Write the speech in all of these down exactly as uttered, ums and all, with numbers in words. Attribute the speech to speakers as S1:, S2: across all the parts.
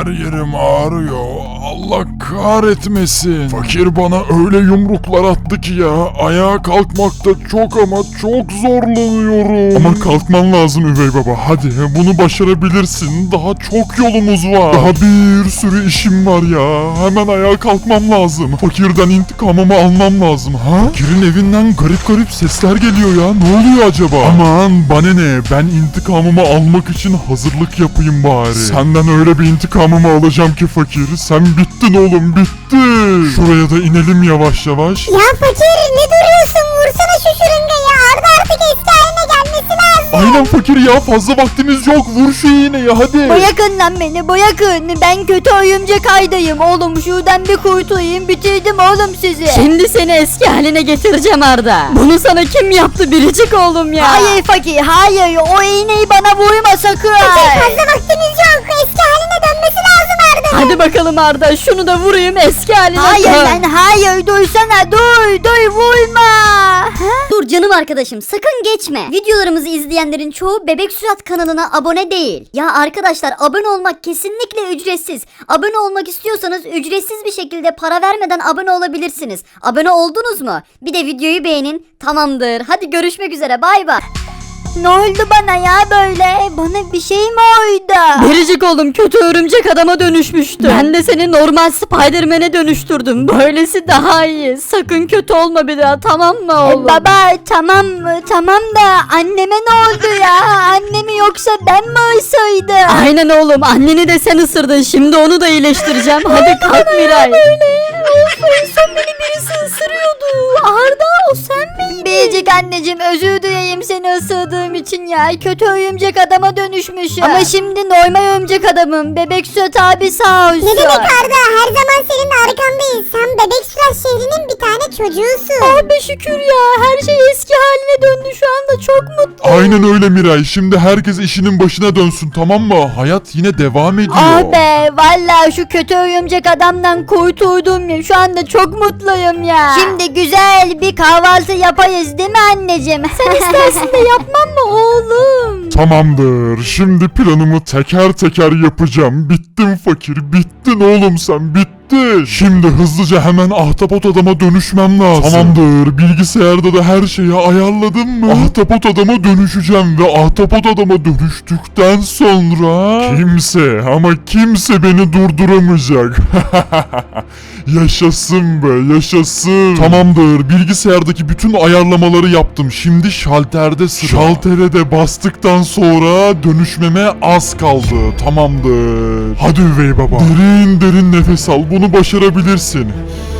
S1: yerim ağrıyor. Allah kahretmesin. Fakir bana öyle yumruklar attı ki ya. Ayağa kalkmakta çok ama çok zorlanıyorum. Ama kalkman lazım üvey baba. Hadi bunu başarabilirsin. Daha çok yolumuz var. Daha bir sürü işim var ya. Hemen ayağa kalkmam lazım. Fakirden intikamımı almam lazım. Ha? Fakirin evinden garip garip sesler geliyor ya. Ne oluyor acaba? Aman bana ne? Ben intikamımı almak için hazırlık yapayım bari. Senden öyle bir intikamımı alacağım ki fakir. Sen bittin oğlum, bittin. Şuraya da inelim yavaş yavaş.
S2: Ya fakir ne duruyorsun? Vursana şu şırıngayı. Arda artık eski haline gelmesi lazım.
S1: Aynen fakir ya, fazla vaktimiz yok. Vur şu iğneyi hadi.
S3: Bırakın lan beni, bırakın. Ben kötü oyuncak aydayım oğlum. Şuradan bir kurtulayım, bitirdim oğlum sizi. Şimdi seni eski haline getireceğim Arda. Bunu sana kim yaptı biricik oğlum ya? Hayır fakir, hayır. O iğneyi bana vurma sakın.
S2: Fakir fazla vaktimiz yok. Eski haline dönmesi lazım Arda.
S3: Hadi bakalım Arda, şunu da vurayım eski haline. Hayır lan hayır, duysana, dur dur vurma.
S4: Dur canım arkadaşım, sakın geçme. Videolarımızı izleyenlerin çoğu Bebek Sürat kanalına abone değil. Ya arkadaşlar, abone olmak kesinlikle ücretsiz. Abone olmak istiyorsanız ücretsiz bir şekilde para vermeden abone olabilirsiniz. Abone oldunuz mu? Bir de videoyu beğenin. Tamamdır. Hadi görüşmek üzere. Bay bay.
S3: Ne oldu bana ya böyle? Bana bir şey mi oldu? Biricik oğlum kötü örümcek adama dönüşmüştü. Ben de seni normal Spiderman'e dönüştürdüm. Böylesi daha iyi. Sakın kötü olma bir daha, tamam mı oğlum? E, baba tamam tamam da anneme ne oldu ya? Annemi yoksa ben mi ısırdım? Aynen oğlum, anneni de sen ısırdın. Şimdi onu da iyileştireceğim. Hadi kalk Miray. Of, en son beni birisi ısırıyordu. Arda, o sen miydin? Biricik anneciğim, özür dileyim seni ısırdığım için ya. Kötü örümcek adama dönüşmüşüm. Ama şimdi normal örümcek adamım. Bebek Süt abi sağ olsun.
S2: Ne demek Arda? Her zaman senin arkandayız. Sen Bebek Sürat şehrinin bir tane çocuğusun.
S3: Oh be şükür ya. Her şey eski haline döndü, şu anda çok mutluyum.
S1: Aynen öyle Miray. Şimdi herkes işinin başına dönsün, tamam mı? Hayat yine devam ediyor.
S3: Ah be, vallahi şu kötü örümcek adamdan kurtuldum ya. Şu anda çok mutluyum ya. Şimdi güzel bir kahvaltı yapayız değil mi anneciğim? Sen istersin de yapmam mı oğlum?
S1: Tamamdır. Şimdi planımı teker teker yapacağım. Bittin fakir, bittin oğlum sen, bittin. Şimdi hızlıca hemen ahtapot adama dönüşmem lazım. Tamamdır. Bilgisayarda da her şeyi ayarladım mı? Ahtapot adama dönüşeceğim ve ahtapot adama dönüştükten sonra kimse ama kimse beni durduramayacak. Yaşasın be, yaşasın. Tamamdır. Bilgisayardaki bütün ayarlamaları yaptım. Şimdi şalterde sıra. Şaltere de bastıktan sonra dönüşmeme az kaldı. Tamamdır. Hadi üvey baba. Derin derin nefes al. Bunu başarabilirsin.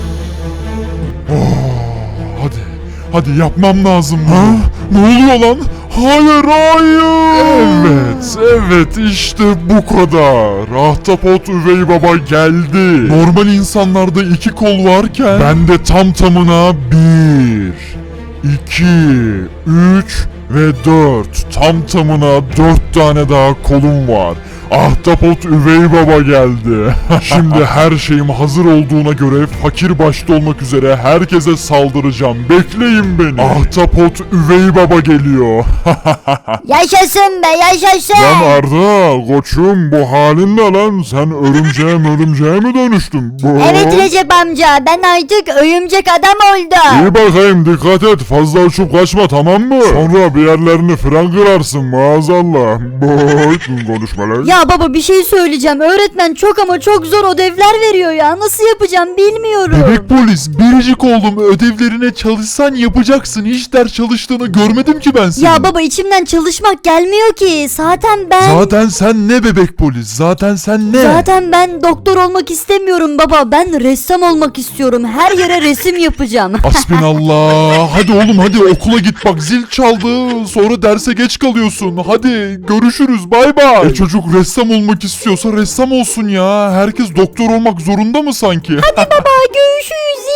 S1: Oh, hadi. Hadi yapmam lazım bunu. Ha? Ne oluyor lan? Hayır hayır. Evet evet işte bu kadar. Ahtapot üvey baba geldi. Normal insanlarda iki kol varken bende tam tamına bir, iki, üç ve dört. Tam tamına dört tane daha kolum var. Ahtapot üvey baba geldi. Şimdi her şeyim hazır olduğuna göre fakir başta olmak üzere herkese saldıracağım. Bekleyin beni. Ahtapot üvey baba geliyor.
S3: Yaşasın be, yaşasın.
S1: Lan Arda koçum, bu halin ne lan? Sen örümceğe örümceğe mi dönüştün? Bu...
S3: Evet Recep amca, ben artık örümcek adam oldum.
S1: İyi bakayım, dikkat et, fazla uçup kaçma, tamam mı? Sonra bir yerlerini fren kırarsın maazallah. Boy konuşmalar.
S3: Ya baba bir şey söyleyeceğim. Öğretmen çok ama çok zor ödevler veriyor ya. Nasıl yapacağım bilmiyorum.
S1: Bebek polis, biricik oğlum, ödevlerine çalışsan yapacaksın. Hiç ders çalıştığını görmedim ki ben seni.
S3: Ya baba içimden çalışmak gelmiyor ki. Zaten ben...
S1: Zaten sen ne bebek polis? Zaten sen ne?
S3: Zaten ben doktor olmak istemiyorum baba. Ben ressam olmak istiyorum. Her yere resim yapacağım.
S1: Hasbinallah. Hadi oğlum hadi okula git, bak zil çaldı. Sonra derse geç kalıyorsun. Hadi görüşürüz, bay bay. E çocuk ressam olmak istiyorsa ressam olsun ya. Herkes doktor olmak zorunda mı sanki?
S3: Hadi baba görüşürüz. Zil çaldı.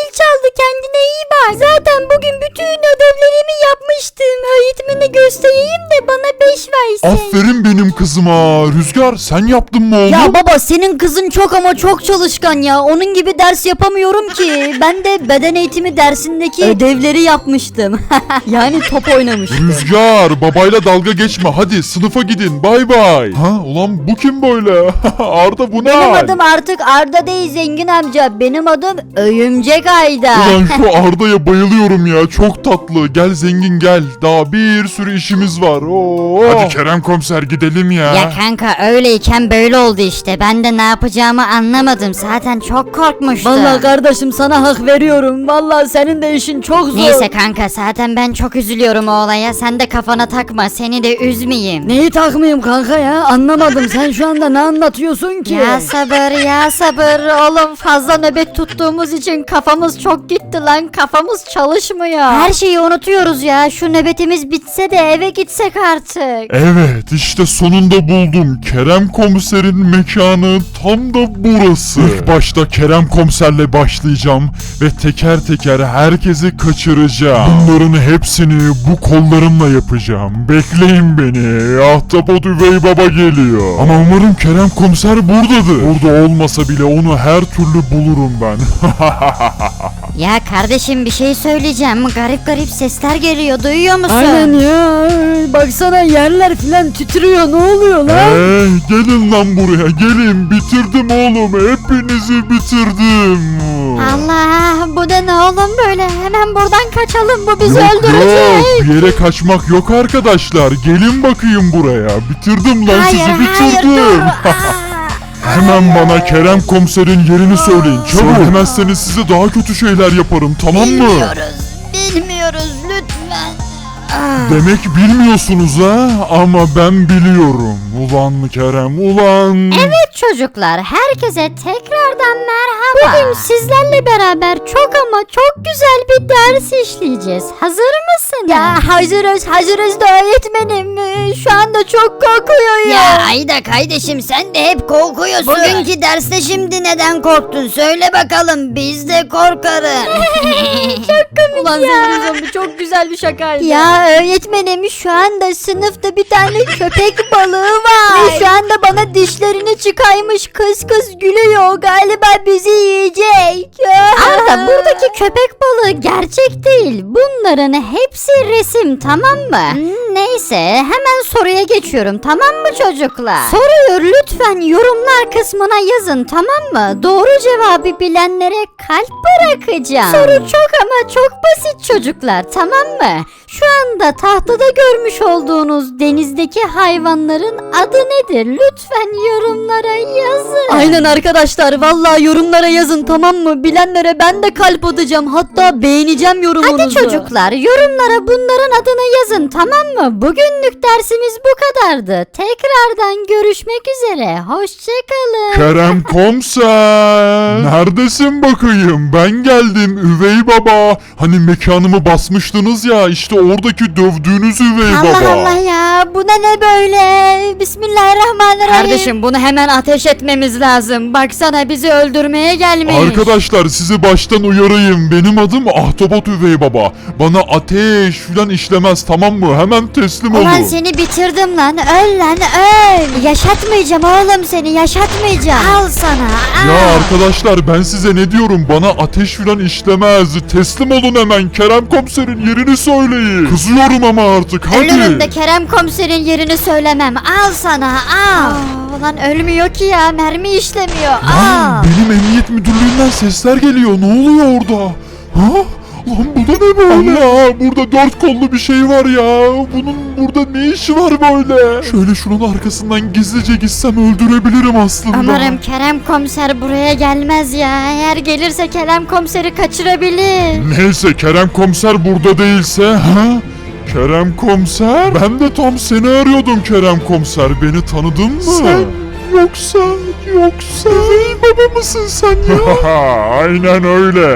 S3: kaldı, kendine iyi bak. Zaten bugün bütün ödevlerimi yapmıştım. Öğretmene göstereyim de bana beş versin.
S1: Aferin benim kızıma. Rüzgar sen yaptın mı oğlum?
S3: Ya baba senin kızın çok ama çok çalışkan ya. Onun gibi ders yapamıyorum ki. Ben de beden eğitimi dersindeki ödevleri yapmıştım. Yani top oynamıştım.
S1: Rüzgar babayla dalga geçme, hadi sınıfa gidin, bay bay. Ha ulan bu kim böyle? Arda bu ne?
S3: Benim adım artık Arda değil zengin amca. Benim adım Öyümcek Ayda.
S1: Ulan şu Arda'ya bayılıyorum ya, çok tatlı. Gel zengin gel, daha bir sürü işimiz var. Oo. Hadi Kerem komiser gidelim ya.
S4: Ya kanka öyleyken böyle oldu işte. Ben de ne yapacağımı anlamadım. Zaten çok korkmuştum.
S3: Vallahi kardeşim sana hak veriyorum. Vallahi senin de işin çok zor.
S4: Neyse kanka zaten ben çok üzülüyorum o olaya. Sen de kafana takma. Seni de üzmeyeyim.
S3: Neyi takmayayım kanka ya? Anlamadım. Sen şu anda ne anlatıyorsun ki?
S4: Ya sabır ya sabır. Oğlum fazla nöbet tuttuğumuz için kafamız çok gitti lan. Kafamız çalışmıyor. Her şeyi unutuyoruz ya. Şu nöbetimiz bitse de eve gitsek artık.
S1: Evet işte sonunda buldum. Kerem komiserin mekanı tam da burası. İlk başta Kerem komiserle başlayacağım ve teker teker herkesi kaçıracağım. Bunların hepsini bu kollarımla yapacağım. Bekleyin beni. Ahtapot üvey baba geliyor. Ama umarım Kerem komiser buradadır. Burada olmasa bile onu her türlü bulurum ben.
S4: Ya kardeşim bir şey söyleyeceğim. Garip garip sesler geliyor. Duyuyor musun?
S3: Aynen ya. Baksana yerler filan titriyor. Ne oluyor lan?
S1: Hey, gelin lan buraya gelin. Bitirdim oğlum. Hepinizi bitirdim.
S4: Allah bu da ne oğlum böyle? Hemen buradan kaçalım. Bu bizi
S1: Yok
S4: öldürecek.
S1: yok bir yere kaçmak yok arkadaşlar. Gelin bakayım buraya. Bitirdim lan
S4: Hayır
S1: sizi
S4: hayır
S1: bitirdim.
S4: dur. Aa.
S1: Hemen bana Kerem komiserin yerini söyleyin. Çabuk. Söylemezseniz size daha kötü şeyler yaparım, tamam mı?
S4: Bilmiyoruz. Bilmiyoruz lütfen.
S1: Demek bilmiyorsunuz ha? Ama ben biliyorum. Ulan mı Kerem ulan.
S4: Evet çocuklar herkese tekrardan merhaba. Bugün sizlerle beraber çok ama çok güzel bir ders işleyeceğiz. Hazır mısınız?
S3: Ya hazırız hazırız da öğretmenim. Ee, Şu anda çok korkuyorum.
S4: Ya Ayda kardeşim sen de hep korkuyorsun. Bugünkü derste şimdi neden korktun? Söyle bakalım biz de korkarız.
S3: Ulan zengin zombi çok güzel bir şakaydı.
S4: Ya öğretmenim şu anda sınıfta bir tane köpek balığı var.
S3: Ve şu anda bana dişlerini çıkarmış kıs kıs gülüyor. Galiba bizi yiyecek.
S4: Arda buradaki köpek balığı gerçek değil. Bunların hepsi resim tamam mı? Hmm, Neyse hemen soruya geçiyorum tamam mı çocuklar? Soruyu lütfen yorumlar kısmına yazın tamam mı? Doğru cevabı bilenlere kalp bırakacağım. Soru çok ama çok basit çocuklar tamam mı? Şu anda tahtada görmüş olduğunuz denizdeki hayvanların adı nedir? Lütfen yorumlara yazın.
S3: Aynen arkadaşlar vallahi yorumlara yazın tamam mı? Bilenlere ben de kalp atacağım. Hatta beğeneceğim yorumunuzu.
S4: Hadi çocuklar yorumlara bunların adını yazın tamam mı? Bugünlük dersimiz bu kadardı. Tekrardan görüşmek üzere. Hoşçakalın.
S1: Kerem komiser. Neredesin bakayım? Ben geldim üvey baba. Hani mekanımı basmıştınız ya, işte oradaki dövdüğünüz üvey
S4: Allah
S1: baba.
S4: Allah ya bu da ne böyle? Bismillahirrahmanirrahim.
S3: Kardeşim bunu hemen ateş etmemiz lazım. Baksana bizi öldürmeye gelmiş.
S1: Arkadaşlar sizi baştan uyarayım. Benim adım Ahtapot üvey baba. Bana ateş filan işlemez tamam mı? Hemen teslim olun.
S4: Ulan seni bitirdim lan. Öl lan öl. Yaşatmayacağım oğlum seni yaşatmayacağım. Al sana.
S1: Ya
S4: al.
S1: arkadaşlar ben size ne diyorum? Bana ateş filan işlemez. Teslim olun hemen. Kerem komiserin yerini söyleyin. Kızıyorum ama artık hadi.
S4: Ölürüm de Kerem komiserin yerini söylemem. Al sana al. Aa, ulan ölmüyor ki ya mermi işlemiyor.
S1: Lan
S4: Al.
S1: benim emniyet müdürlüğünden sesler geliyor. Ne oluyor orada? Ha? Lan bu da ne böyle? Allah, burada dört kollu bir şey var ya. Bunun burada ne işi var böyle? Şöyle şunun arkasından gizlice gitsem öldürebilirim aslında.
S4: Umarım Kerem komiser buraya gelmez ya. Eğer gelirse Kerem komiseri kaçırabilir.
S1: Neyse Kerem komiser burada değilse ha? Kerem komiser? Ben de tam seni arıyordum Kerem komiser. Beni tanıdın mı? Sen yoksa yoksa üvey baba mısın sen ya? Aynen öyle.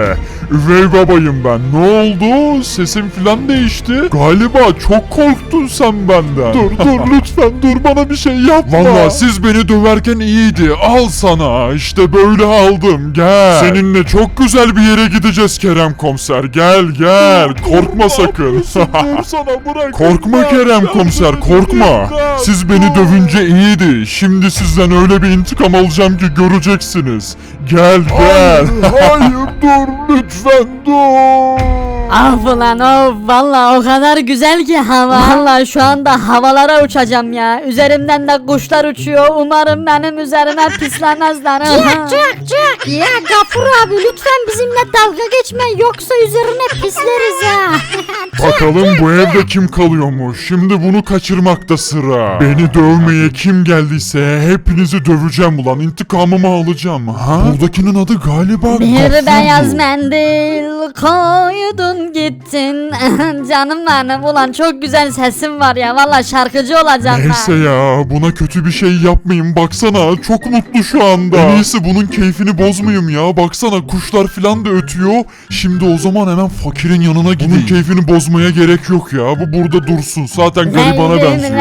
S1: Üvey babayım ben. Ne oldu? Sesim filan değişti. Galiba çok korktun sen benden. Dur dur lütfen dur, bana bir şey yapma. Valla siz beni döverken iyiydi. Al sana. İşte böyle aldım. Gel. Seninle çok güzel bir yere gideceğiz Kerem komiser. Gel gel. Korkma sakın. Korkma Kerem komiser, korkma. Siz beni dövünce iyiydi. Şimdi sizden öyle bir intikam alacağım ki göreceksiniz. Gel gel. Hayır dur lütfen dur.
S3: Of ulan of, valla o kadar güzel ki hava. Valla şu anda havalara uçacağım ya. Üzerimden de kuşlar uçuyor. Umarım benim üzerime pislemezler.
S2: Cık cık cık. Ya Gafur abi lütfen bizimle dalga geçme yoksa üzerine pisleriz ha.
S1: Bakalım bu evde kim kalıyormuş. Şimdi bunu kaçırmakta sıra. Beni dövmeye kim geldiyse hepinizi döveceğim ulan. İntikamımı alacağım. Ha? Buradakinin adı galiba
S3: Bir
S1: Gafur'du.
S3: beyaz mendil koydun gittin. Canım benim, ulan çok güzel sesim var ya. Valla şarkıcı olacağım
S1: Neyse
S3: ben.
S1: ya, buna kötü bir şey yapmayayım, baksana çok mutlu şu anda. En iyisi bunun keyfini bozmayayım ya, baksana kuşlar filan da ötüyor. Şimdi o zaman hemen fakirin yanına gideyim. Bunun keyfini bozmaya gerek yok ya, bu burada dursun, zaten garibana benziyor.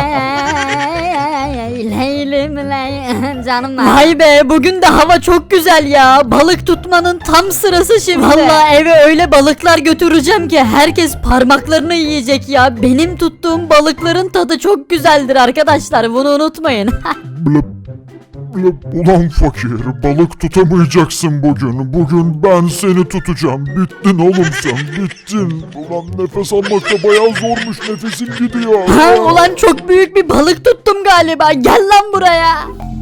S3: Leylim ley canım benim. Vay be, bugün de hava çok güzel ya. Balık tutmanın tam sırası şimdi. Valla eve öyle balıklar götüreceğim ki herkes parmaklarını yiyecek ya. Benim tuttuğum balıkların tadı çok güzeldir arkadaşlar, bunu unutmayın.
S1: Blıp, blıp. Ulan fakir, balık tutamayacaksın bugün. Bugün ben seni tutacağım. Bittin oğlum sen, bittin. Ulan nefes almakta bayağı zormuş, nefesin gidiyor.
S3: Ha, ulan çok büyük bir balık tuttum galiba. Gel lan buraya.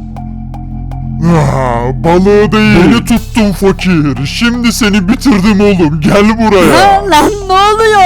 S1: Ah, balığı değil. Beni tuttun fakir. Şimdi seni bitirdim oğlum. Gel buraya.
S3: Ha, lan ne oluyor?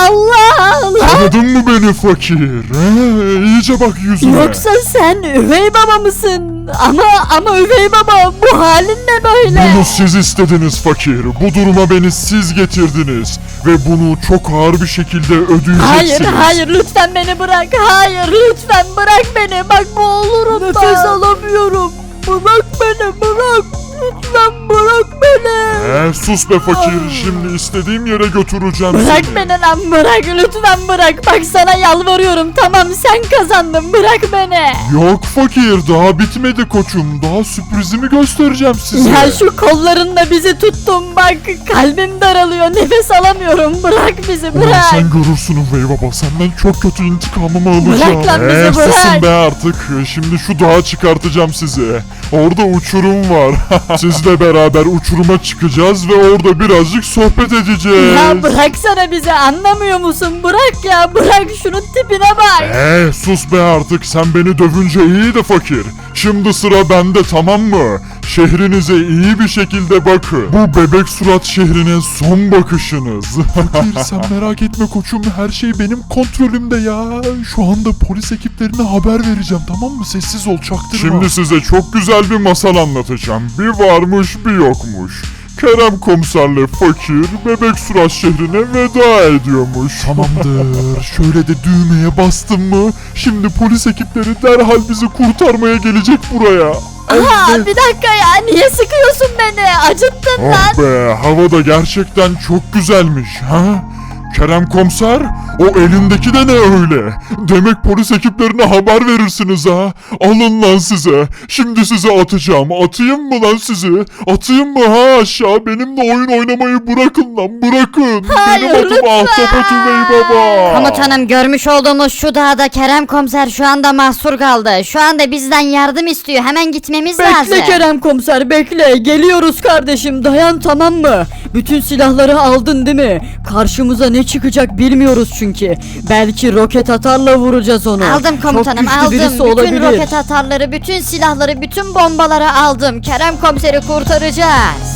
S3: Allah Allah.
S1: Tanıdın mı beni fakir? He, iyice bak yüzüme.
S3: Yoksa sen üvey baba mısın? Ama ama üvey baba, bu halin ne böyle?
S1: Bunu siz istediniz fakir. Bu duruma beni siz getirdiniz. Ve bunu çok ağır bir şekilde ödeyeceksiniz.
S3: Hayır hayır, lütfen beni bırak. Hayır lütfen bırak beni. Bak boğulurum. Nefes alamıyorum. Bırak beni, bırak. Lütfen bırak beni.
S1: He, sus be fakir. Şimdi istediğim yere götüreceğim
S3: Bırak
S1: seni.
S3: beni lan, bırak lütfen bırak. Bak sana yalvarıyorum, tamam sen kazandın, bırak beni.
S1: Yok fakir, daha bitmedi koçum. Daha sürprizimi göstereceğim size.
S3: Ya şu kollarınla bizi tuttun, bak kalbim daralıyor, nefes alamıyorum, bırak bizi,
S1: Ulan
S3: bırak.
S1: sen görürsün üvey baba, senden çok kötü intikamımı alacağım.
S3: Bırak lan bizi,
S1: Ee,
S3: bırak.
S1: susun be artık. Şimdi şu dağa çıkartacağım sizi. Orada uçurum var. Sizle beraber uçuruma çıkacağız ve orada birazcık sohbet edeceğiz.
S3: Ya bıraksana bizi, anlamıyor musun? Bırak ya, bırak, şunun tipine bak.
S1: Ee, sus be artık, sen beni dövünce iyi de fakir. Şimdi sıra bende, tamam mı? Şehrinize iyi bir şekilde bakın. Bu bebek surat şehrine son bakışınız. Fakir sen merak etme koçum, her şey benim kontrolümde ya. Şu anda polis ekiplerine haber vereceğim, tamam mı? Sessiz ol, çaktırma. Şimdi size çok güzel bir masal anlatacağım. Bir varmış bir yokmuş. Kerem komiserle fakir bebek surat şehrine veda ediyormuş. Tamamdır. Şöyle de düğmeye bastım mı? Şimdi polis ekipleri derhal bizi kurtarmaya gelecek buraya.
S3: Aha, bir dakika ya, niye sıkıyorsun beni? Acıttın lan.
S1: Oh be, hava da gerçekten çok güzelmiş ha? Kerem komiser, o elindeki de ne öyle? Demek polis ekiplerine haber verirsiniz ha? Alın lan size. Şimdi size atacağım. Atayım mı lan sizi? Atayım mı ha aşağı? Benimle oyun oynamayı bırakın lan, bırakın.
S3: Hayır,
S1: Benim adım
S3: lütfen.
S1: Ahtapot Üvey Baba.
S4: Komutanım, görmüş olduğumuz şu dağda Kerem komiser şu anda mahsur kaldı. Şu anda bizden yardım istiyor. Hemen gitmemiz lazım.
S3: Bekle Kerem komiser, bekle. Geliyoruz kardeşim, dayan, tamam mı? Bütün silahları aldın değil mi? Karşımıza ne çıkacak bilmiyoruz çünkü. Belki roket atarla vuracağız onu.
S4: Aldım komutanım,
S3: Çok güçlü
S4: aldım.
S3: birisi
S4: Bütün
S3: olabilir.
S4: roket atarları, bütün silahları, bütün bombaları aldım. Kerem komiseri kurtaracağız.